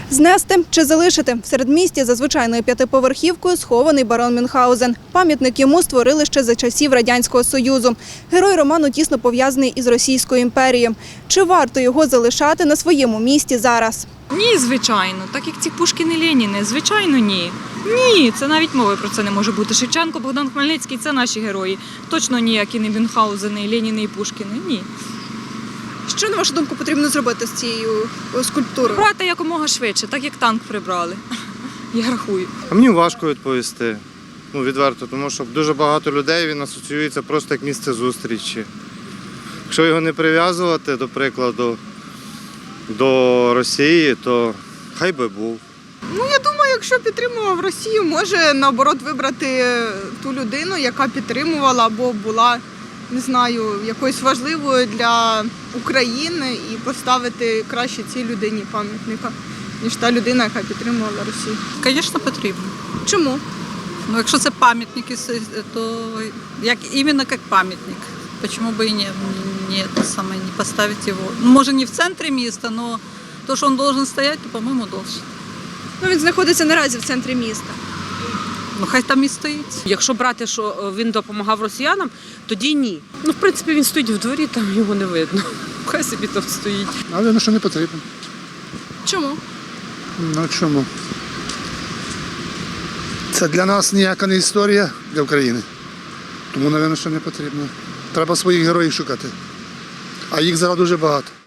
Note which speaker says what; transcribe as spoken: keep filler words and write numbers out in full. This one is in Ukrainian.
Speaker 1: Знести чи залишити? В середмісті за звичайною п'ятиповерхівкою схований барон Мюнхгаузен. Пам'ятник йому створили ще за часів Радянського Союзу. Герой роману тісно пов'язаний із Російською імперією. Чи варто його залишати на своєму місці зараз?
Speaker 2: Ні, звичайно. Так як ці Пушкін і Леніни. Звичайно, ні. Ні, це навіть мови про це не може бути. Шевченко, Богдан Хмельницький – це наші герої. Точно ніякі не Мюнхгаузени, і Леніни, і Пушкіни. Ні.
Speaker 1: Що, на вашу думку, потрібно зробити з цією скульптурою?
Speaker 2: Брати якомога швидше, так як танк прибрали. Я рахую.
Speaker 3: А мені важко відповісти, ну відверто, тому що дуже багато людей він асоціюється просто як місце зустрічі. Якщо його не прив'язувати, до прикладу, до Росії, то хай би був.
Speaker 4: Ну, я думаю, якщо підтримував Росію, може, наоборот, вибрати ту людину, яка підтримувала або була, не знаю, якоюсь важливою для України і поставити краще цій людині пам'ятника, ніж та людина, яка підтримувала Росію.
Speaker 5: Звісно, потрібно.
Speaker 1: Чому?
Speaker 5: Ну, якщо це пам'ятник, то як, іменно як пам'ятник. Почему бы и не, не, это самое, не поставить его? Ну, может, не в центре места, но то, что он должен стоять, то, по-моему, должен.
Speaker 1: Ну, він знаходиться наразі в центрі міста.
Speaker 5: Ну, хай там і стоїть.
Speaker 6: Якщо брати, що він допомагав росіянам, тоді ні. Ну, в принципі, він стоїть в дворі, там його не видно. Хай собі там стоїть.
Speaker 7: Але ну, що не потрібно.
Speaker 1: Чому?
Speaker 7: Ну чому? Це для нас ніяка не історія для України. Тому, мабуть, що не потрібно. Треба своїх героїв шукати. А їх зараз дуже багато.